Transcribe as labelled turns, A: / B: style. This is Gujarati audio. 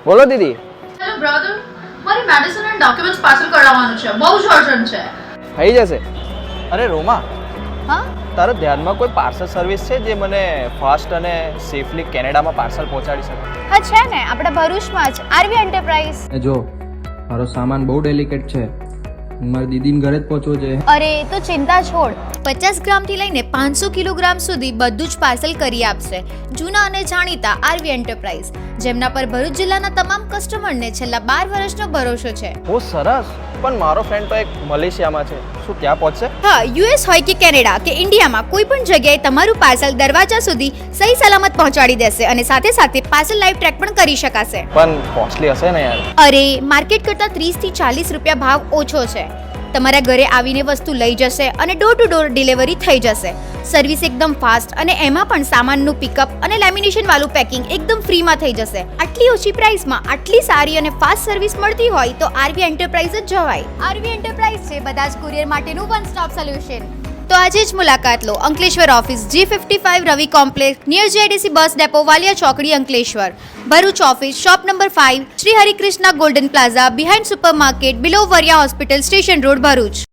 A: બોલો દીદી.
B: હેલો બ્રધર, મારી મેડિસિન એન્ડ ડોક્યુમેન્ટ્સ પાર્સલ કરાવવાનું છે, બહુ જ અર્જન્ટ છે.
A: થઈ જશે. અરે રોમા,
C: હા
A: તારા ધ્યાનમાં કોઈ પાર્સલ સર્વિસ છે જે મને ફાસ્ટ અને સેફલી કેનેડામાં પાર્સલ પહોંચાડી શકે?
C: હા છે ને, આપણા ભરૂચમાં જ આરવી એન્ટરપ્રાઇઝ.
D: એ જો મારો સામાન બહુ ડેલિકેટ છે, મારી દીદીને ઘરે જ પહોંચવો છે.
C: અરે તો ચિંતા છોડ, 50 ગ્રામથી લઈને 500 કિલોગ્રામ સુધી બધું જ પાર્સલ કરી આપશે જૂના અને જાણીતા આરવી એન્ટરપ્રાઇઝ, જેમના પર ભરૂચ જિલ્લાના તમામ કસ્ટમરને છેલ્લા 12 વર્ષનો ભરોસો છે.
A: બહુ સરસ. પણ મારો ફ્રેન્ડ તો એક મલેશિયામાં છે, શું ત્યાં પહોંચશે?
C: હા, યુએસ હોય કે કેનેડા કે ઇન્ડિયામાં કોઈ પણ જગ્યાએ તમારું પાર્સલ દરવાજા સુધી સહી સલામત પહોંચાડી દેશે અને સાથે સાથે પાર્સલ લાઈવ ટ્રેક પણ કરી શકાશે.
A: પણ કોસ્ટલી હશે ને યાર?
C: અરે માર્કેટ કરતાં 30 થી 40 રૂપિયા ભાવ ઓછો છે. તમારા ઘરે આવીને વસ્તુ લઈ જશે અને ડોર ટુ ડોર ડિલિવરી થઈ જશે. સર્વિસ એકદમ ફાસ્ટ અને એમાં પણ સામાનનું પિકઅપ અને લેમિનેશન વાળું પેકિંગ એકદમ ફ્રીમાં થઈ જશે. આટલી ઓછી પ્રાઇસમાં આટલી સારી અને ફાસ્ટ સર્વિસ મળતી હોય તો આરવી એન્ટરપ્રાઇઝ જ જવાય. આરવી એન્ટરપ્રાઇઝ છે બધા જ કુરિયર માટેનું વન સ્ટોપ સોલ્યુશન. તો આજે જ મુલાકાત લો Ankleshwar office G55 Ravi complex near JDC bus depot Valia ચોકડી Ankleshwar. Bharuch office shop number 5 Shri Harikrishna golden plaza behind super market below Variya hospital station road Bharuch.